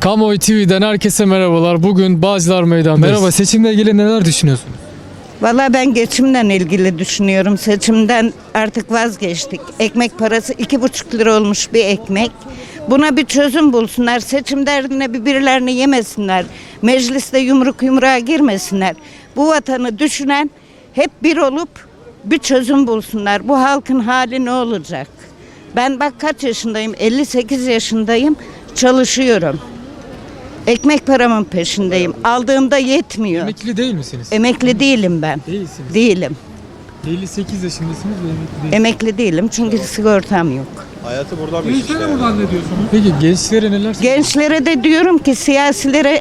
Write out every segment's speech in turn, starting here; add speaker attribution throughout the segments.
Speaker 1: Kamuoyu TV'den herkese merhabalar. Bugün Bağcılar Meydanı'ndayız. Merhaba, seçimle ilgili neler düşünüyorsunuz?
Speaker 2: Valla ben geçimden ilgili düşünüyorum. Seçimden artık vazgeçtik. Ekmek parası 2,5 lira olmuş bir ekmek. Buna bir çözüm bulsunlar. Seçim derdine birbirlerini yemesinler. Mecliste yumruk yumruğa girmesinler. Bu vatanı düşünen hep bir olup bir çözüm bulsunlar. Bu halkın hali ne olacak? Ben bak kaç yaşındayım? 58 yaşındayım. Çalışıyorum. Ekmek paramın peşindeyim. Aldığımda yetmiyor.
Speaker 1: Emekli değil misiniz?
Speaker 2: Emekli değilim ben.
Speaker 1: Değilsiniz.
Speaker 2: Değilim.
Speaker 1: 58 yaşındasınız ve emekli değilsiniz.
Speaker 2: Emekli değilim çünkü sigortam yok.
Speaker 3: Hayatı buradan bir
Speaker 4: Gençlere buradan ne diyorsunuz?
Speaker 1: Peki gençlere neler
Speaker 2: Gençlere de diyorum ki siyasilere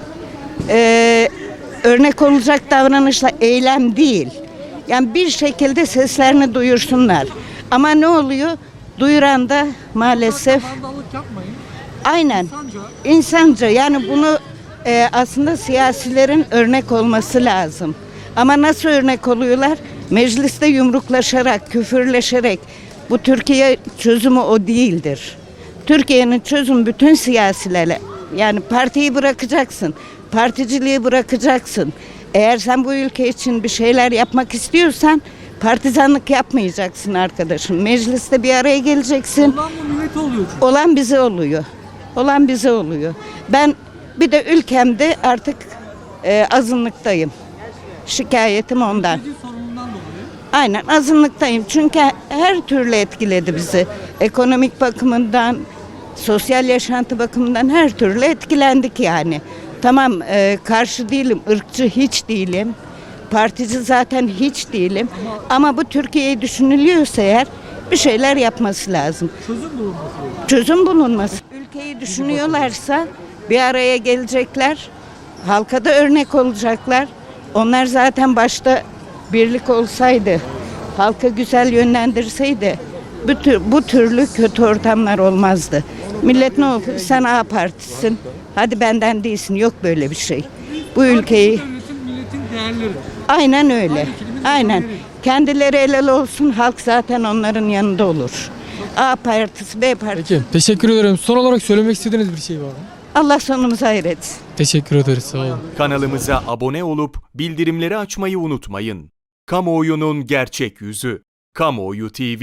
Speaker 2: örnek olacak davranışla eylem değil. Yani bir şekilde seslerini duyursunlar. Ama ne oluyor? Duyuran da maalesef
Speaker 4: Vandallık yapmayın.
Speaker 2: aynen
Speaker 4: Sanca
Speaker 2: insanca, yani bunu aslında siyasilerin örnek olması lazım. Ama nasıl örnek oluyorlar? Mecliste yumruklaşarak, küfürleşerek. Bu Türkiye çözümü o değildir. Türkiye'nin çözümü bütün siyasilere. Yani partiyi bırakacaksın, particiliği bırakacaksın. Eğer sen bu ülke için bir şeyler yapmak istiyorsan partizanlık yapmayacaksın arkadaşım. Mecliste bir araya geleceksin.
Speaker 4: ondan bu millete oluyor çünkü.
Speaker 2: Olan bize oluyor. Olan bize oluyor. Ben bir de ülkemde artık azınlıktayım. Şikayetim ondan.
Speaker 4: Mülteci sorunundan dolayı.
Speaker 2: Aynen azınlıktayım. Çünkü her türlü etkiledi bizi. Ekonomik bakımından, sosyal yaşantı bakımından her türlü etkilendik yani. Tamam, karşı değilim, ırkçı hiç değilim. Partici zaten hiç değilim. Ama bu Türkiye'yi düşünülüyorsa eğer bir şeyler yapması lazım.
Speaker 4: Çözüm bulunması lazım.
Speaker 2: Çözüm bulunması. Ülkeyi düşünüyorlarsa bir araya gelecekler. Halka da örnek olacaklar. Onlar zaten başta birlik olsaydı, halka güzel yönlendirseydi bu türlü kötü ortamlar olmazdı. Millet ne oldu? Sen A partisin. Hadi benden değilsin. Yok böyle bir şey. Bu ülkeyi
Speaker 4: Devletin, milletin değerleri.
Speaker 2: aynen öyle.
Speaker 4: Aynı kelimenin
Speaker 2: Aynen.
Speaker 4: değerleri.
Speaker 2: Kendileri el ele olsun. Halk zaten onların yanında olur. A partisi, B partisi.
Speaker 1: Peki, teşekkür ederim. Son olarak söylemek istediğiniz bir şey var mı?
Speaker 2: Allah sonumuzu hayretsin.
Speaker 1: Teşekkür ederiz, sağ olun.
Speaker 5: Kanalımıza abone olup bildirimleri açmayı unutmayın. Kamuoyunun gerçek yüzü. Kamuoyu TV